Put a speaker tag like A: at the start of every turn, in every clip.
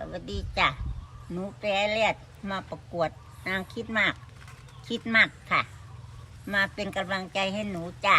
A: วัสดีจ้ะหนูแปรเลียดมาประกวดนางคิดมากค่ะ มาเป็นกำลังใจให้หนูจ้ะ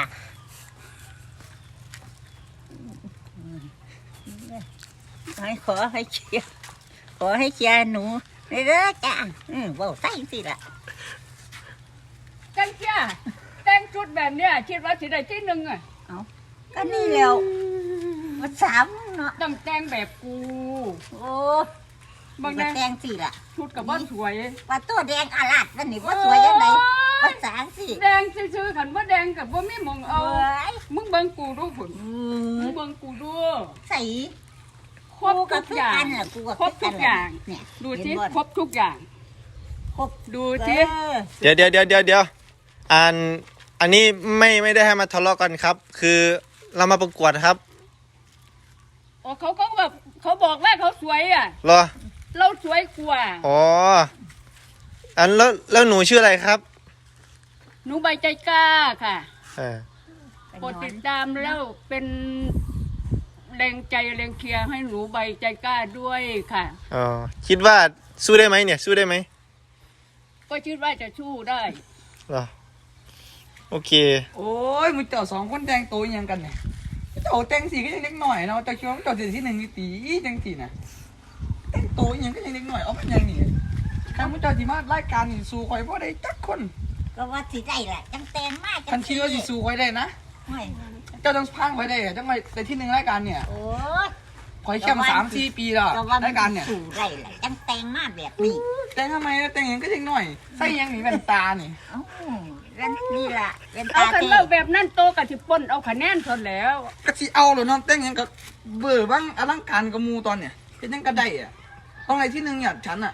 A: ขอให้เชียร์หนูเด้อจ้ะว่าใส่สิล่ะ
B: จังเชียแต่งชุดแบบเนี้ยคิดว่าสิได้ที่หนึ่งอ่ะ
A: เอาก็นี่แล้วมาสามเนาะ
B: ต้องแต่งแบบกู
A: โอ้
B: บาง
A: แดงสิล่ะ
B: ชุดกับว่าสวย
A: ว่าตัวแดงอาลาดนั่นนี่ว่าสวยยังไงว่าสางสิ
B: แดงซื่อๆขันว่าแดงกับว่าไม่มองเอามึงเบิ่งกูดูผลมึงเบิ่งกูดู
A: ใส่
B: ครบทุกอย่างครบทุกอย่างเนี่ยดูสิครบทุกอย่างดูสิ
C: เดี๋ยวอันนี้ไม่ได้ให้มาทะเลาะกันครับ คือเรามาประกวดครับ
B: อ๋อเขาแบบเขาบอกว่าเขาสวยอ่ะ
C: เหรอ
B: เราสวยกว่า
C: อ๋อแล้วหนูชื่ออะไรครับ
B: หนูใบใจกล้าค่ะกดติดตามแล้วเป็นแรงใจแรงเชียร์ให้หนูใบใจกล้าด้วยค่ะ
C: อ๋อคิดว่าสู้ได้ไหมเนี่ยสู้ได้ไหม
B: ก็คิดว่าจะสู้ได้
C: เหรอโอเค
D: โอ้ยมึงเจ้าสองคนแต่งตัวยังกันเนี่ยเจ้าแต่งสีก็ยังเล็กหน่อยเนาะเจ้าคิดว่าเจ้าจะที่หนึ่งตีจังสีนะแต่งตัวยังก็ยังเล็กหน่อยเอาเป็นยังนี่ใครมึงเจ้าที่มารายการนี่สู้คอยเพราะได้จักคน
A: ก็ว่าสิได้แหละจังแตงมาก
D: ทันคิดว่าสิสู้คอยได้นะเจ้าต้องพังคอยได้จังไปแต่ที่หนึ่งรายการเนี่ย
A: โอ้
D: คอยแค่มา3-4 ปีแล้วรายการเนี่ย
A: สู้ได้แหละจังแตงมากแบบนี้
D: แต่ทำไมแต่งยังก็ยังหน่อยใส่ยังหนีแว่นตานี่
A: นี่แหละเป็นตา
B: เอาขันเล่าแบบนั้นโตกับที่ป้นเอาคะแนนทนแล้ว
D: ก็สิเอาหรือน้องแต่งยังก็เบื่อบ้างอลังการกับมูตอนเนี่ยเป็นยังก็ได้อะต้องอะไรที่หนึ่งเนี่ยฉันอะ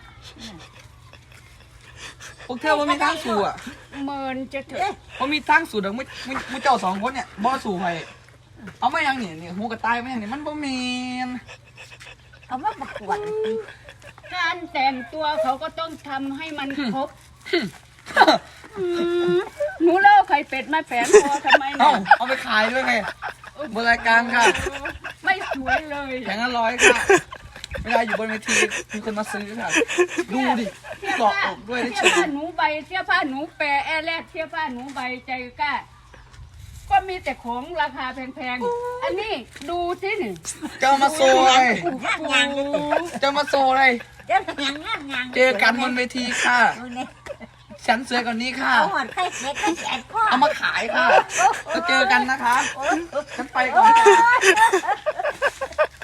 D: พวกเธอว่ามีทางสู่อะ
B: เมินจะเถอะ
D: ว่ามีทางสู่เดี๋ยวมึงเจ้าสองคนเนี่ยบ่สู่ไปเอาไม่ยังเนี่ยหูกระต่ายไม่ยังเนี่ยมันบ่เมน
A: เอามาประกวด
B: การแต่งตัวเขาก็ต้องทำให้มันครบหนูเล่าไข่เป็ดมาแฝงคอทำไมเนี่ย
D: เอาไปขายด้วยไงบนรายการค่ะ
B: ไม่สวยเลย
D: แผงละ100ค่ะเวลาอยู่บนเวทีมีคนมาซื้อค่ะดูดิเกาะอกด้วยได้
B: เสื้อผ้าหนูใบเสื้อผ้าหนูแปรแอร์แลดเสื้อผ้าหนูใบใจกล้าก็มีแต่ของราคาแพงๆอันนี้ดูสิหนึ่ง
D: เจ้ามาโซ่เลยเจ้ามาโซ่เลยเจอกันบนเวทีค่ะฉันเสือก่อนนี้ค่ะเอามาขายค่ะแล้วเจอกันนะคะฉันไปก่อน